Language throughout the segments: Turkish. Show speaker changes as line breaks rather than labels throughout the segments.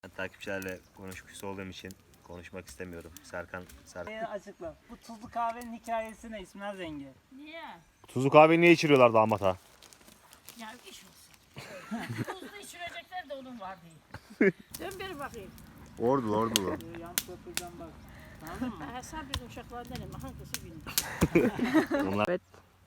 Ben takipçilerle konuşkusu olduğum için konuşmak istemiyorum. Serkan.
Açıkla. Bu tuzlu kahvenin hikayesi ne İsmail Zengi?
Niye?
Tuzlu kahve niye içiriyorlar damata?
Ya iş olsun. Tuzlu içirecekler de onun var diye. Dön bir bakayım.
Ordulu.
Yanlış yapacağım bak. Anladın mı?
Hesap bir uşaklardan ama hangisi bilmiyor.
Onlar...
Evet.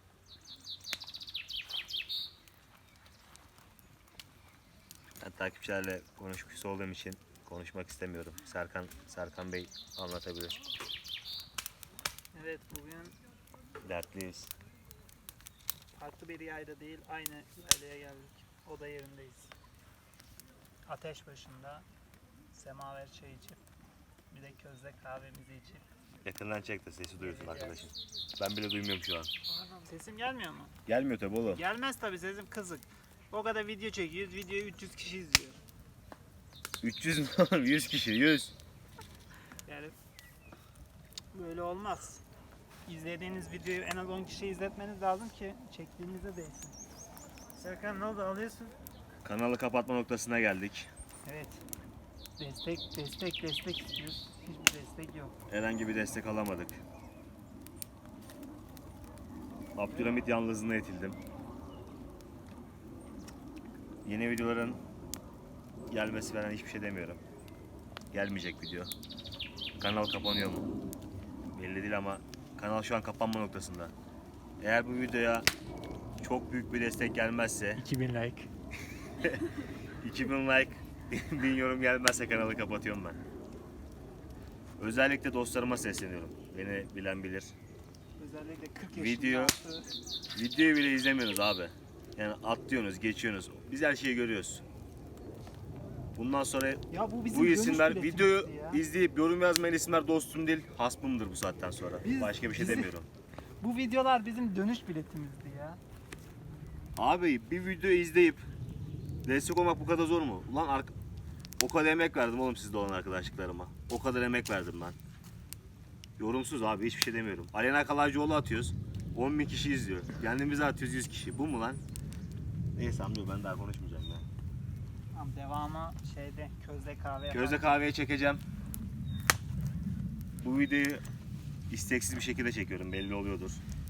Ben takipçilerle konuşkusu olduğum için konuşmak istemiyorum. Serkan Bey anlatabilir.
Evet, bugün
Dertliyiz.
farklı bir yayla değil, aynı yaylaya geldik. Oda yerindeyiz. Ateş başında semaver çay içip bir de közde kahvemizi içip.
Yakından çek de sesi duyursun arkadaşım. Ben bile duymuyorum şu an.
Sesim gelmiyor mu?
Gelmiyor tabi oğlum.
Gelmez tabii, sesim kızık. O kadar video çekiyoruz, videoyu 300 kişi izliyor.
300 mü oğlum? 100 kişi 100.
Yani böyle olmaz. İzlediğiniz videoyu en az 10 kişiye izletmeniz lazım ki çektiğinize değsin. Serkan ne oldu, alıyorsun?
Kanalı kapatma noktasına geldik.
Evet. Destek istiyoruz. Hiçbir destek yok.
Herhangi bir destek alamadık. Abdülhamit yalnızlığına itildim. Yeni videoların gelmesi falan hiçbir şey demiyorum. Gelmeyecek video. Kanal kapanıyor mu? Belli değil ama kanal şu an kapanma noktasında. Eğer bu videoya çok büyük bir destek gelmezse
2000 like.
2000 like 1000 yorum gelmezse kanalı kapatıyorum ben. Özellikle dostlarıma sesleniyorum. Beni bilen bilir.
Özellikle 40 yaşında.
Videoyu bile izlemiyoruz abi. Yani atlıyorsunuz, geçiyorsunuz. Biz her şeyi görüyoruz. Bundan sonra
Ya bu bizim
bu
dönüş
isimler
biletimizdi
videoyu
ya.
izleyip yorum yazmayan isimler dostum değil, hasmımdır bu saatten sonra.
Biz-
Başka bir şey
bizi-
demiyorum.
Bu videolar bizim dönüş biletimizdi ya.
Abi bir video izleyip destek olmak bu kadar zor mu? Ulan o kadar emek verdim oğlum sizde olan arkadaşlıklarıma. O kadar emek verdim ben. Yorumsuz abi, hiçbir şey demiyorum. Alena Kalaycıoğlu atıyoruz. 10.000 kişi izliyor. Kendimize atıyoruz 100 kişi. Bu mu lan? Neyse amca, ben daha konuşmayacağım ya.
Tamam, devamı şeyde közde kahve yapalım.
Közde kahveye çekeceğim. Bu videoyu isteksiz bir şekilde çekiyorum, belli oluyordur.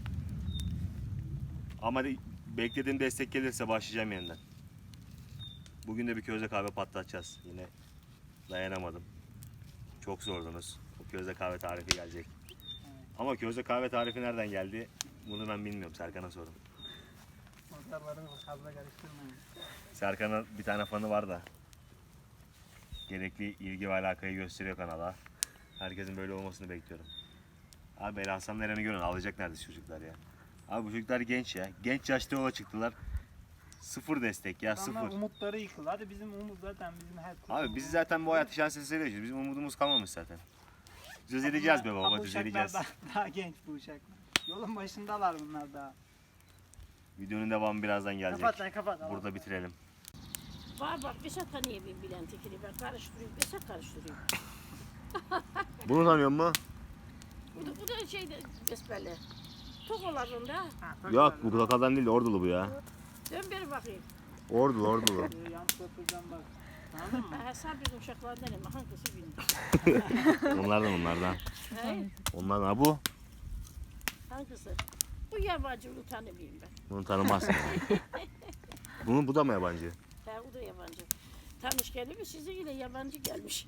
Ama beklediğim destek gelirse başlayacağım yeniden. Bugün de bir közde kahve patlatacağız. Yine dayanamadım. Çok sordunuz. O közde kahve tarifi gelecek. Ama közde kahve tarifi nereden geldi? Bunu ben bilmiyorum. Serkan'a sorun.
Motorları fazla karıştırmayın.
Serkan'ın bir tane fanı var da gerekli ilgi ve alakayı gösteriyor kanala. Herkesin böyle olmasını bekliyorum. Abi El Hasan Eren'i görün, alacak neredeyse çocuklar ya. Abi bu çocuklar genç ya. Genç yaşta yola çıktılar. Sıfır destek ya,
Adamlar
sıfır.
umutları yıkıldı. Hadi bizim umut zaten bizim her
Abi biz zaten bu hayatı şans eseri yaşıyoruz. Bizim umudumuz kalmamış zaten. Düzeleceğiz be baba, düzeleceğiz.
Daha genç bu uşaklar. Yolun başındalar bunlar daha.
Videonun devamı birazdan gelecek.
Kapat lan, kapat.
Burada bitirelim.
Var bak Vesat'a niye bir bilen tekini ben karıştırıyorum. Vesat karıştırıyor.
Bunu tanıyor musun?
Bu da şeyde besbelli. Tokolarında.
Yok, bu Kakadan değil, Ordulu bu ya.
Dön bir bakayım.
Ordulu.
Yanlış yapacağım bak. Anladın mı?
Hesap bir uşaklardan ama hangisi bilmiyor.
Onlardan.
He?
Onlardan. Ha bu?
Hangisi? Bu yabancı bunu tanımıyorum ben.
Bunu tanımazsın. Bu da mı yabancı?
He o da yabancı. Tanış geldi mi size yine yabancı gelmiş.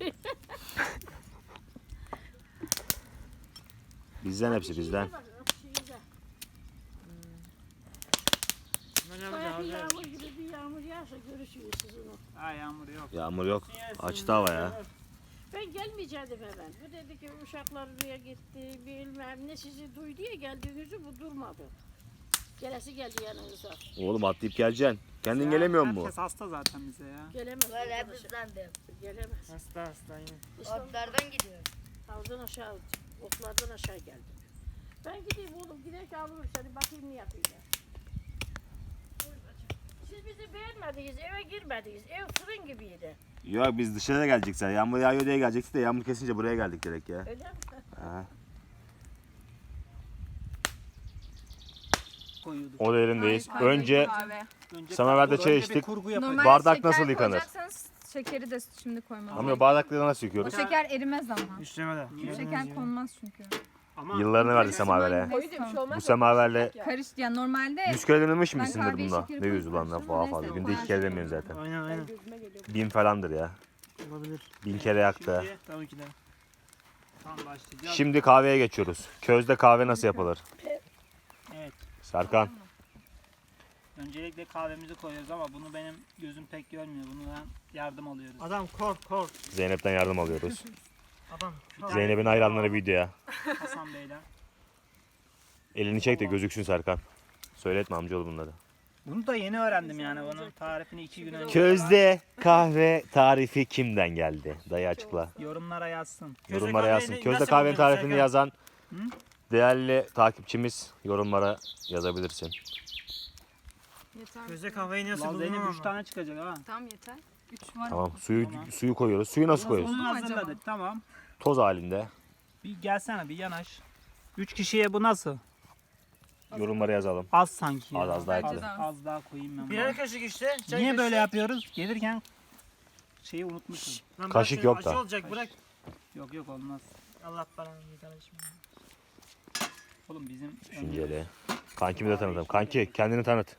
Bizden hepsi bizden.
Baya bir yağmur gibi bir yağmur yağsa görüşürüz siz onu.
Ha, yağmur yok.
Yağmur yok. Açtı hava ya.
Ben gelmeyecektim hemen. Bu dedi ki uşaklar buraya gitti, bilmem ne sizi duydu ya geldiğinizi bu durmadı. Gelesi geldi yanınıza.
Oğlum atlayıp geleceksin. Kendin gelemiyor musun?
Herkes hasta zaten bize ya.
Gelemez.
Böyle hep
arkadaşlar.
ıslandım.
Gelemez.
Hasta yine.
İşte
Otlardan gidiyor.
havuzdan aşağı, otlardan aşağı geldim. Ben gideyim oğlum, giderken alırım seni, bakayım ne yapıyorlar. Siz bizi beğenmediniz, eve girmediniz. Ev fırın gibiydi.
Yok, biz dışarıda gelecektik. Yağmur yağıyor diye gelecektik de yağmur kesince buraya geldik direkt ya.
Öyle mi?
Ha.
Koyuyorduk.
O derindeyiz.
Önce
Samaverde çay
Önce bir
içtik.
kurgu yapacağız.
normal
Bardak
şeker
nasıl yıkanır?
koyacaksanız
şekeri de şimdi koymam.
Amca bardakları nasıl
O
yıkıyoruz?
şeker erimez ama.
Üçlemede.
O şeker konmaz çünkü.
Ama
Yıllarını verdi semavere.
Koyu diye bir şey olmaz.
Bu semaverle
Karış ya normalde
100 kere dememiş
Ben
misindir
kahveye
bunda?
şekeri
Ne yüz ulan
koymuştum
daha
ama
fazla.
neyse,
Günde 2 kere demiyorsun zaten.
Aynen aynen.
1000 falandır ya.
Olabilir.
1000 kere yaktı.
şimdi
Tabii ki de.
tam başlayacağız.
Şimdi kahveye geçiyoruz. Közde kahve nasıl yapılır?
Evet.
Serkan.
Öncelikle kahvemizi koyuyoruz ama bunu benim gözüm pek görmüyor. Bundan yardım alıyoruz.
Adam kork.
Zeynep'ten yardım alıyoruz.
Adam kork.
Zeynep'in hayranları videoya.
Hasan Bey'den.
Elini çek de gözüksün Serkan. Söyletme amcaoğlu bunları.
Bunu da yeni öğrendim yani. Bunun tarifini 2 gün önce.
Közde kahve tarifi kimden geldi? Dayı açıkla.
Yorumlara yazsın.
Yorumlara yazsın.
kahveyi
Közde
nasıl
kahvenin
yapıyorsun
tarifini
Serkan?
yazan
Hı?
değerli takipçimiz yorumlara yazabilirsin.
yeter.
Gözde kahveyi nasıl
Lan
buldun
Zeynep 3
ama?
tane çıkacak ha.
Tamam yeter. 3 var.
Tamam.
Tamam.
Suyu koyuyoruz. Suyu nasıl koyuyoruz?
Bunu
mu acaba?
hazırladık tamam.
Toz halinde.
Bir gelsene bir yanaş. 3 kişiye bu nasıl?
Yorumlara yazalım.
Az sanki. ya.
Az daha
Bence
ekle.
de az.
Az daha koyayım ben.
Birer
bunu.
kaşık işte. çay
Niye
kaşığı.
böyle yapıyoruz? Gelirken şeyi unutmuşum.
Lan bırak
Kaşık
şunu,
yok
acı
da.
olacak bırak.
Yok olmaz.
Allah belanı bir kardeşim.
Oğlum bizim
Düşünceli. Kankimi de tanıtalım. Kanki kendini tanıt.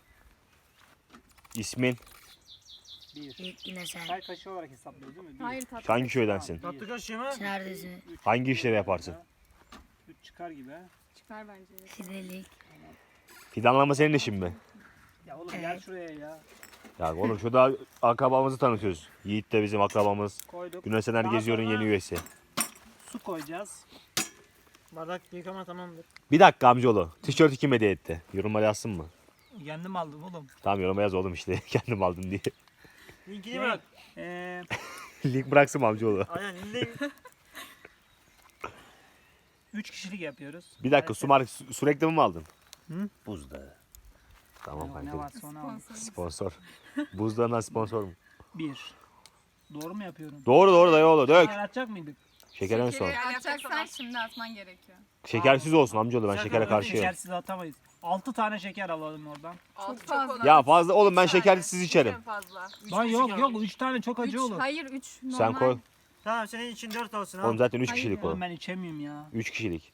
İsmin?
bir.
Yine sen.
Çay kaşığı olarak hesaplıyoruz değil mi? Bir,
Hayır tatlı.
Hangi köydensin?
Tatlı kaşığı mı?
Neredesin?
Hangi işleri yaparsın?
3 çıkar gibi ha.
Çıkar bence.
Fidelik.
Fidanlama senin işin mi?
Ya oğlum gel şuraya ya.
Ya oğlum şurada akrabamızı tanıtıyoruz. Yiğit de bizim akrabamız.
Koyduk.
Güneş Ener
Daha
Geziyor'un
sonra
yeni üyesi.
Su koyacağız.
Bardak yıkama tamamdır.
Bir dakika amcaoğlu. Tişörtü kim hediye etti? Yorumlara yazsın mı?
Kendim aldım oğlum.
Tamam yoruma yaz oğlum işte. Kendim aldım diye.
Linkini bırak.
Link bıraksın mı amcaoğlu?
Aynen linki.
3 kişilik yapıyoruz.
Bir dakika su reklamı mı aldın?
Hı?
Buzdağı. Tamam
Ne
kanka.
varsa onu al.
Sponsor. Buzdağından sponsor mu?
1. Doğru mu yapıyorum?
Doğru dayıoğlu dök.
Atacak mıydık?
Şeker en son.
Atacaksan şimdi atman gerekiyor.
Şekersiz olsun amcaoğlu ben
Şeker
şekere
olsun,
karşıyım.
Şekersiz atamayız. 6 tane şeker alalım oradan.
Çok fazla.
Ya fazla oğlum ben şekersiz içerim.
Fazla.
Lan yok 3 tane çok acı
3,
olur.
hayır 3 normal.
Sen koy.
Tamam senin için 4 olsun
Oğlum
ha.
zaten 3
Hayır
kişilik
ya.
o.
Oğlum ben içemiyorum ya.
3 kişilik.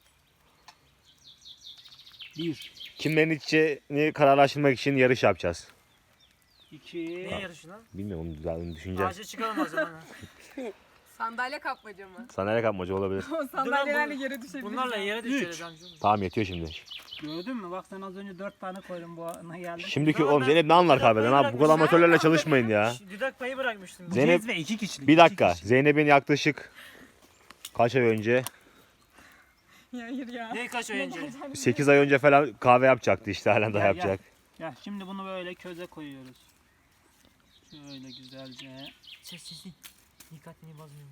1,
Kimlerin içeceğini kararlaştırmak için yarış yapacağız.
2,
Niye yarışı lan?
Bilmiyorum onu güzel düşüneceğiz.
Ağaca çıkalım o zaman. ha.
Sandalye kapmaca mı?
Sandalye kapmaca olabilir.
O sandalyelerle yere düşebiliriz.
Bunlarla yere
Üç.
düşeceğiz amcım.
Tamam yetiyor şimdi.
gördün mü? Bak sen az önce 4 tane koydun bu ana geldi.
Şimdiki
Tamam,
oğlum
ben
Zeynep ne anlar
bir dakika
kahveden abi? Bu kadar
bırakmışım.
amatörlerle çalışmayın ya.
Dudak payı bırakmıştım.
Bu
Zeynep-
cezve 2 kişilik.
Bir
iki
dakika.
kişilik.
Zeynep'in yaklaşık kaç ay önce?
Hayır ya.
Ne kaç ay önce?
8 ay önce falan kahve yapacaktı işte halen daha
Gel,
yapacak.
Ya şimdi bunu böyle köze koyuyoruz. Şöyle güzelce.
Sessizlik. Dikkatini bozmayayım.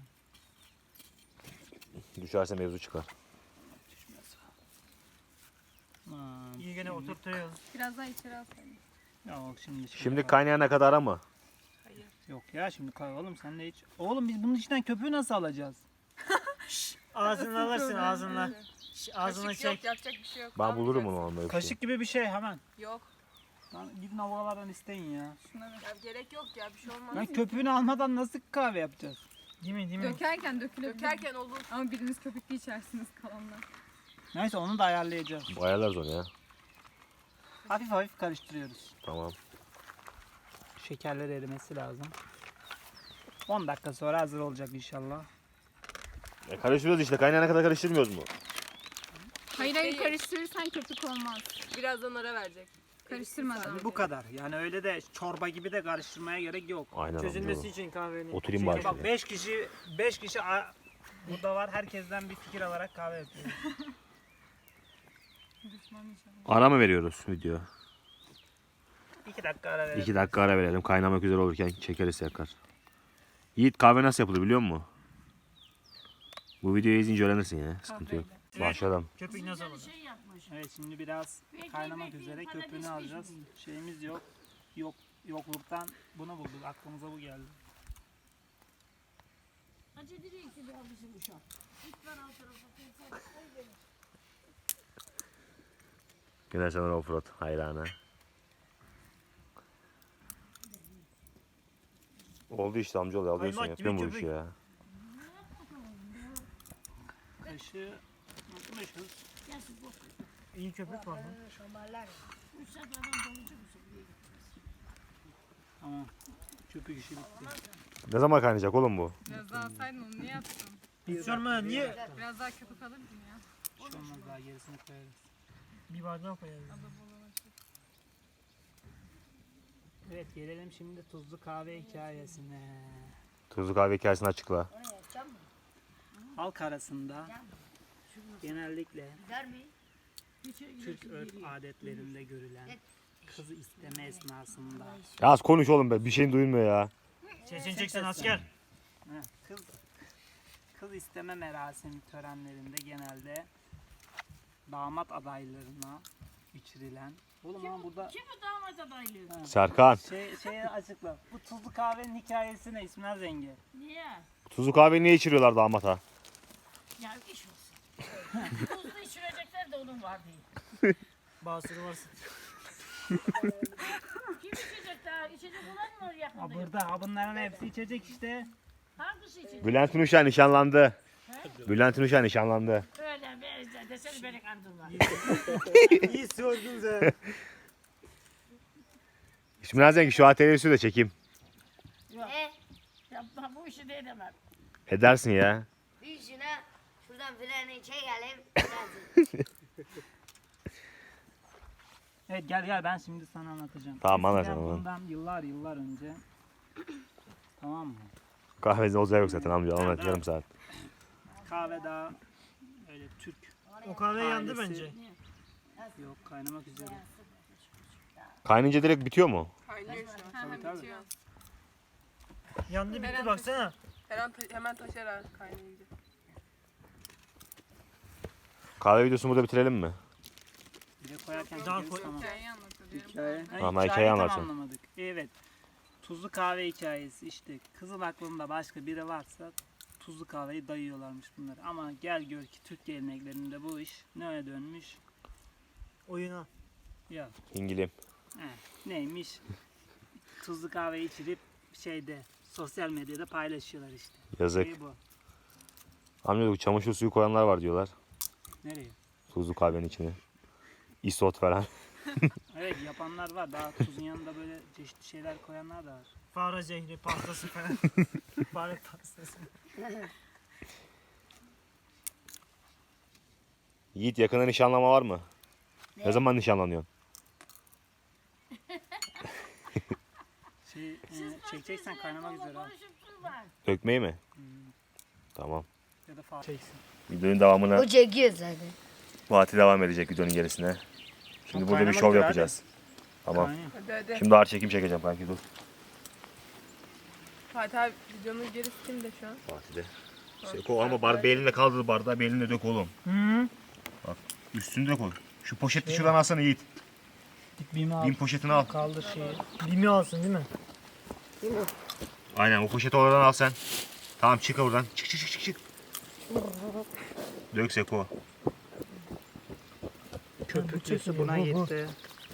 Düşerse mevzu çıkar.
Aman,
İyi gene oturtuyoruz.
Biraz daha içeri alsaydın.
Ya bak şimdi.
Şimdi kaynayana kadar ama.
Yok ya şimdi koy oğlum sen de hiç. Oğlum biz bunun içinden köpüğü nasıl alacağız?
Ağzını alırsın ağzınla. Ağzına
Kaşık
çek.
yok yapacak bir şey yok.
Ben
Ne
bulurum
yapacağız?
onu böyle bir şey.
Kaşık gibi bir şey hemen.
Yok.
Lan gidin havalardan isteyin ya.
Şuna ver.
Ya gerek yok ya bir şey olmaz.
Lan köpüğünü almadan nasıl kahve yapacağız?
Değil mi?
Dökerken dökülebilir.
Dökerken olur.
Ama biriniz köpüklü içersiniz kalanlar.
Neyse onu da ayarlayacağız.
Ayarlarız onu ya.
Hafif hafif karıştırıyoruz.
Tamam.
Şekerler erimesi lazım. 10 dakika sonra hazır olacak inşallah.
Karıştırıyoruz işte. Kaynayana kadar karıştırmıyoruz mu?
Hayır hayır karıştırırsan köpük olmaz.
Birazdan ara verecek.
Karıştırmadan.
Bu kadar. Yani öyle de çorba gibi de karıştırmaya gerek yok.
Aynen
Çözülmesi
amcaoğlu.
için kahvenin.
Oturayım
Çünkü
bari
bak
şöyle.
5 kişi burada var. Herkesten bir fikir alarak kahve yapıyoruz.
Düşman inşallah.
Ara mı veriyoruz video?
2 dakika ara verelim.
2 dakika ara verelim. Kaynamak üzere olurken çekeriz yakar. Yiğit kahve nasıl yapılır biliyor musun? Bu videoyu izleyince öğrenirsin ya. Sıkıntı yok. Başlayalım.
Köpük nasıl olur?
Şey yapmış.
Evet şimdi biraz kaynamak
bekleyin,
üzere
patates
köpüğünü alacağız.
pişmiş.
Şeyimiz yok. Yokluktan bunu bulduk. Aklımıza bu geldi.
Acı direkt ki bir bizim uşak. Git ver alt tarafa.
Güneş Ener Offroad hayranı. Oldu işte amcaoğlu alıyorsun
Kaymak gibi
yapıyorsun bu işi
köpük.
ya.
Kaşığı unutmuşuz.
Gelsin bok.
İyi köpük var lan.
Üç saat adam dolucu musun?
Tamam. Köpük işi bitti.
Ne zaman kaynayacak oğlum bu?
Biraz daha alsaydın onu niye attın?
Sorma niye?
Biraz daha köpük alırdın ya.
Bir şey olmaz, daha gerisini koyarız.
Bir bardağı koyalım.
Evet, gelelim şimdi tuzlu kahve hikayesine.
Tuzlu kahve hikayesini açıkla.
Halk arasında genellikle
Hiç
Türk örf adetlerinde görülen kızı isteme esnasında
Ya az konuş oğlum be bir şeyin duyulmuyor ya.
Sesini çeksen asker.
kız isteme merasimi törenlerinde genelde damat adaylarına içirilen. Oğlum ama burada
Kim bu damat adaylığı?
Serkan.
şeyi açıkla. Bu tuzlu kahvenin hikayesi ne İsmail Zengin?
Niye?
Tuzlu kahve niye içiriyorlar damata?
Ya iş olsun. Tuzlu içirecekler de onun var diye.
Basırı varsın.
Kim içecek daha? İçecek olan mı yakında?
Ha burada ha bunların hepsi içecek işte.
Hangisi içecek?
Bülent Ünüşen nişanlandı. Bülent Ünüşen nişanlandı.
Öyle be, desene beni kandırma.
İyi sordun sen.
İsmail Zengi şu ATV'si de çekeyim.
Yok. Yapma bu işi de edemem.
Edersin ya.
Bir şuna şuradan freni çekelim.
Evet gel ben şimdi sana anlatacağım.
Tamam, anlat,
Eskiden
anlat.
bundan yıllar önce tamam mı?
Kahvede olacağı yok zaten amca anlat yarım saat.
Kahve daha öyle Türk
O kahve yandı
ailesi-
bence.
Yok kaynamak üzere.
Kaynayınca direkt bitiyor mu?
Kaynıyor şu an.
Tabii, tabii.
Bitiyor.
Yandı bitti
Eren-
baksana.
Hemen taşar ha kaynayınca.
Kahve videosunu burada bitirelim mi?
Bir de koyarken
Daha
çekeriz,
koy-
tamam.
Hikayeyi anlatıyorum.
Hikaye.
Ama hikayeyi anlatın.
tamamlamadık. Evet. Tuzlu kahve hikayesi işte. Kızın aklında başka biri varsa tuzlu kahveyi dayıyorlarmış bunlar. Ama gel gör ki Türk geleneklerinde bu iş neye dönmüş?
Oyuna.
Ya
İngilim.
neymiş? Tuzlu kahve içirip sosyal medyada paylaşıyorlar işte.
Yazık.
Şey bu.
Amca bu çamaşır suyu koyanlar var diyorlar.
Nereye?
Tuzlu kahvenin içine. Isot falan.
Evet yapanlar var. Daha tuzun yanında böyle çeşitli şeyler koyanlar da var.
Fare zehri pastası falan. Fare pastası.
Yiğit yakında nişanlama var mı? Ne zaman nişanlanıyorsun?
Çekeceksen kaynamak üzere al.
Konuşup durma.
Dökmeyi mi? Tamam.
Ya da fark çeksin.
Videonun devamını
O çekiyor zaten.
Fatih devam edecek videonun gerisine. Şimdi burada bir
kaynamak
şov
üzere
yapacağız. Tamam.
Kaynıyor.
Hadi.
Şimdi ağır çekim çekeceğim kanki dur.
Fatih abi videonun gerisi kimde şu an?
Fatih de. Seko ama belinle kaldır bardağı belinle dök oğlum.
Hı.
Üstünü de koy. Şu poşeti şuradan alsana Yiğit.
Bimi al.
Bin poşetini al.
Kaldır şeyi.
Bimi alsın değil mi?
Aynen o poşeti oradan al sen. Tamam çık oradan. Çık. Dök Seko.
Köpüklüsü buna gitti.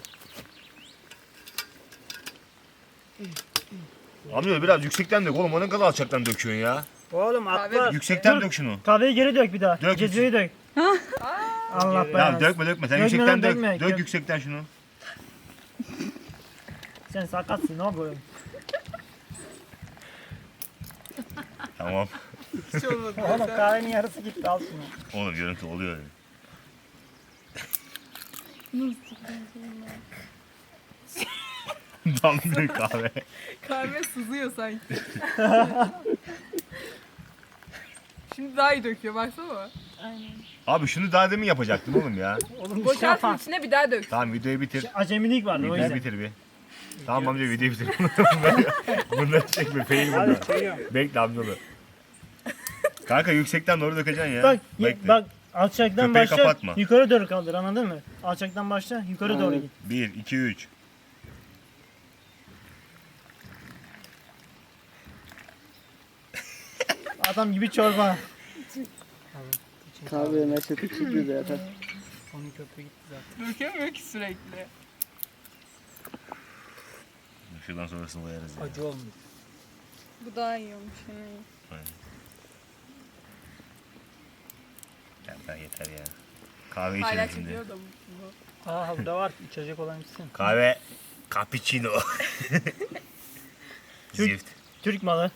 Amca biraz yüksekten dök oğlum. O ne kadar alçaktan döküyorsun ya.
Oğlum
Kahve-
atla.
Yüksekten
Dur.
dök şunu.
Kahveyi geri dök bir daha.
Dök.
Cezveyi dök. Allah
Ya
belanı.
dökme. Sen
Dökme
yüksekten
lan,
dök.
dökme.
Dök yüksekten şunu.
Sen sakatsın ne yapıyorsun?
Tamam.
Hiç olmadı.
Oğlum kahvenin yarısı gitti al şunu.
Oğlum görüntü oluyor öyle. Damlıyor kahve.
Kahve sızıyor sanki. Şimdi daha iyi döküyor baksana.
Abi şunu daha demin yapacaktın oğlum ya.
Oğlum
Boşaltın içine bir daha dök.
Tamam videoyu bitir.
Acemilik vardı o
Videoyu
yüzden.
bitir bir. Tamam amca videoyu bitir. Bunları çekme. Fail
Hadi
bunlar.
çekiyorum.
Bekle amcalı. Kanka yüksekten doğru dökeceksin ya.
Bak
Bekle.
bak alçaktan
Köpeği
başla
kapatma.
yukarı doğru kaldır anladın mı? Alçaktan başla yukarı doğru git.
1, 2, 3.
Adam gibi çorba.
Kahve nasıl çıkıyor zaten. Onun köpüğü gitti zaten.
Dökemiyor ki sürekli.
Şuradan sonrasını koyarız ya.
Acı olmuş.
Bu daha iyi olmuş.
Ben yeter ya. Kahve
Hala
içelim şimdi.
çekiyor da bu.
Aa burada var. İçecek olan içsin.
Kahve cappuccino. Zift.
Türk malı.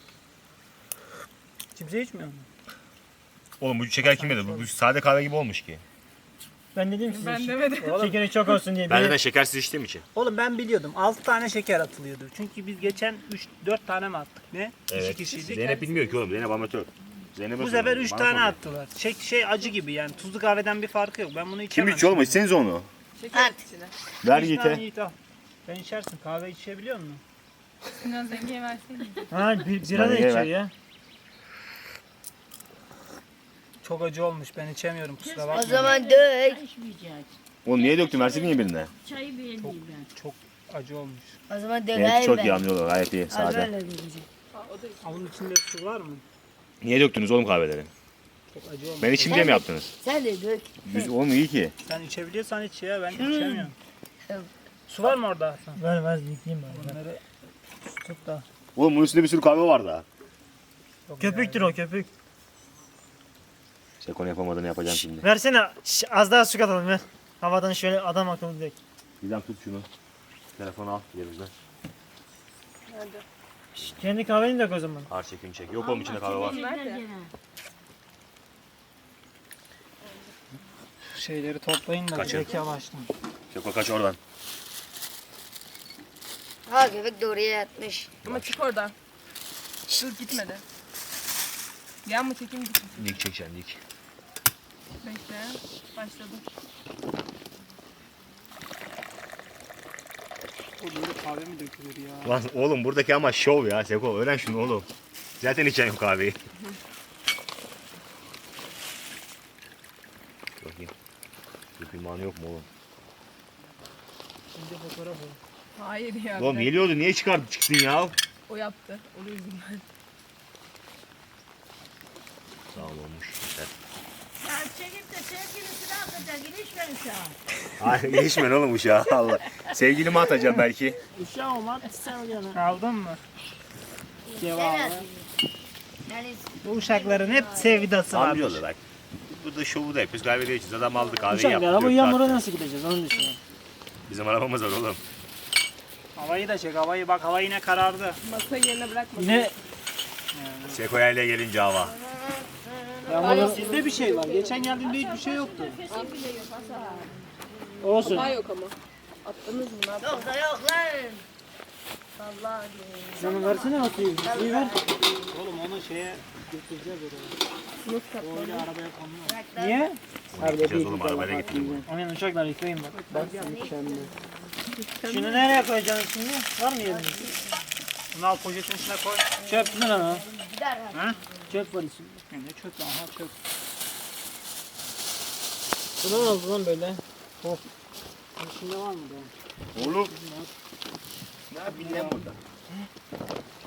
Kimse içmiyor mu?
Oğlum bu şeker kim yedi? Bu sade kahve gibi olmuş ki.
Ben dedim size.
Ben demedim.
Şekeri çok olsun diye.
Ben de şekersiz içtiğim için.
Oğlum ben biliyordum. 6 tane şeker atılıyordu. Çünkü biz geçen 3-4 tane mi attık? Ne?
Evet.
2 kişiydik.
Zeynep bilmiyor ki oğlum. Zeynep amatör. Zeynep'e
Bu sefer
soruyorum,
3
bana
tane
soruyor.
attılar. Şey acı gibi yani. Tuzlu kahveden bir farkı yok. Ben bunu
Kim
içemem.
içiyor oğlum? İçsenize onu.
Şeker içine.
Ver
Bir tane
Yiğit'e.
Yiğit al. Sen içersin. Kahve içebiliyor musun?
Biraz Zengi'ye verseydin.
Ha bira da içiyor ya.
Çok acı olmuş. Ben içemiyorum kusura
O
bakma.
zaman dök.
Çay içmeyeceğiz.
Oğlum niye döktün? Versene niye birine?
Çayı beğeneyim ben.
Çok acı olmuş.
O zaman
Evet
dök.
çok iyi anlıyorlar. Gayet iyi.
Az
Sade.
böyle diyeceğim.
Onun içinde su var mı?
Niye döktünüz oğlum kahveleri?
Çok acı olmuş.
Ben içeyim diye mi yaptınız?
Sen de dök.
Oğlum iyi ki.
Sen içebiliyorsan iç ya. Ben içemiyorum. Su var mı orada Hasan?
Ver yıkayayım ben.
Bunları tut da.
Oğlum bunun üstünde bir sürü kahve var daha.
Köpüktür o köpük.
Sekon yapamadığını yapacağım şimdi.
Versene az daha su katalım ver. Havadan şöyle adam akıllı direkt.
Gizem tut şunu. Telefonu al yerimizden.
Kendi kahveni dök o zaman.
Ağır çekin çek. Yok oğlum içinde kahve var.
Nerede?
Şeyleri toplayın da
Kaçın.
direkt yavaştan.
Seko kaç oradan.
Ha köpek de oraya yatmış.
Ama çık oradan. Dur gitmedi. Gel mi çekeyim gitsin.
Dik çekeceksin dik.
Bekle. Başladım.
Burada kahve mi dökülür ya?
Lan oğlum buradaki ama şov ya Seko. Öğren şunu oğlum. Zaten içeceğim kahveyi. Bakayım. Bir imanı yok mu oğlum?
Şimdi fotoğraf al.
Hayır ya.
Oğlum geliyordu niye çıktın ya?
O yaptı. O yüzden.
Sağ ol olmuş. Yeter.
Ya çekip de sevgilisini atacak. İlişmeyin şu an.
Hayır geçmen oğlum uşağı Allah. Sevgilimi atacağım belki.
Uşağı olmaz sen yana.
Aldın mı?
Sen
Cevabı.
at. Yani
Bu uşakların hep sevdası var.
Amcaoğlu bak. Bu da şovu da yapıyoruz. Kahve içiyoruz. Adam aldı kahveyi
Uşaklar
yaptı.
ama
döktü
yağmura
attı.
nasıl gideceğiz onu düşünüyorum.
Bizim arabamız var oğlum.
Havayı da çek. Havayı bak. Hava yine karardı.
Masayı yerine bırakma.
Yine
Sekoya ile gelince hava.
Yağmurun sizde bir şey var. Geçen geldiğimde hiçbir şey yoktu.
Nefesi bile yok Hasan.
olsun.
Daha yok ama. Attınız mı? Ne yaptınız?
yok da yok lan. Allah
Sen versene o suyu. Suyu ver.
Oğlum onu şeye götüreceğiz oraya. O öyle arabaya konmuyor.
Niye?
Gideceğiz oğlum arabayla gittim.
Aynen uşaklar yıkayın bak. Bak sen şunu nereye koyacaksın şimdi? Var mı yerinde?
Bunu al poşetin içine koy.
Çöp mü lan o?
gider ha.
Ha?
Çöp var içinde.
Ne çöp lan? Aha çöp.
Bu ne oldu lan böyle?
İçinde var mı bu?
Oğlum. Ne yapayım lan burada?